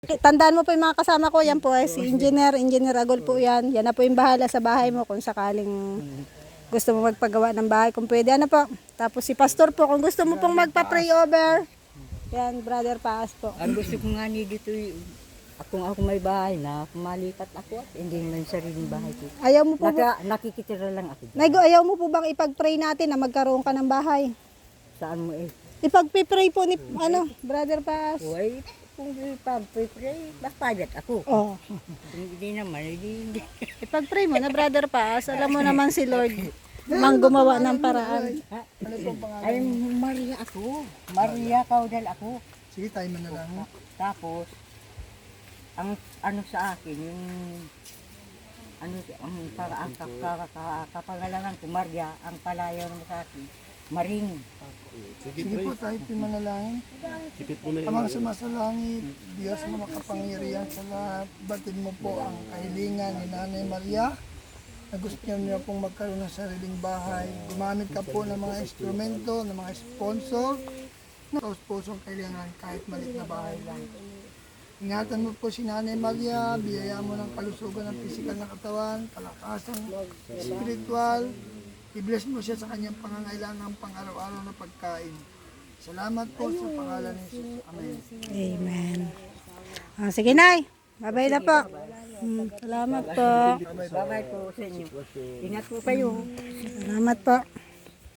Tandaan mo po yung mga kasama ko, yan po ay si Engineer Agol po yan. Yan na po yung bahala sa bahay mo kung sakaling gusto mo magpagawa ng bahay. Kung pwede, ano po. Tapos si Pastor po, kung gusto mo pong magpa-pray over. Yan, Brother Paas po. Ang gusto ko nga ni dito, kung ako may bahay na, malipat ako at hindi naman sariling bahay ko. Ayaw mo po, Nakikitira lang ako. Naigo, ayaw mo po bang ipag-pray natin na magkaroon ka ng bahay? Saan mo eh? Ipag-pray po ni, Brother Paas. Uy, kung ipag-pray, bakpayat ako. Oh. Hindi naman, hindi. Ipag-pray mo na, Brother Paas. Alam mo naman si Lord, mang gumawa ng paraan. Ano pong pangalan? Ay, Maria ako. Maria Caudal ako. Sige, tayo man na lang. Tapos, ang ano sa akin, yung ano, ang para ang kapangalanan ko, Maria, ang palayaw mo sa akin, Maring. Sige po, tayo po manalangin. Amang sumasalangit, Diyos mo makapangyarihan sa lahat. Batid mo po ang kahilingan ni Nanay Maria na gusto niya pong magkaroon ng sariling bahay. Gumamit ka po ng mga instrumento, ng mga sponsor na pusong kailangan kahit maliit na bahay lang. Ingatan mo po si Nanay Maria, biyaya mo ng kalusugan ng pisikal na katawan, kalakasan spiritual. I-bless mo siya sa kanyang pangangailangan pang-araw-araw na pagkain. Salamat po sa pangalan ni Jesus. Amen. Amen. Sige, Nay. Bye-bye na po. Salamat po. Bye-bye po sa inyo. Ingat po kayo. Salamat po.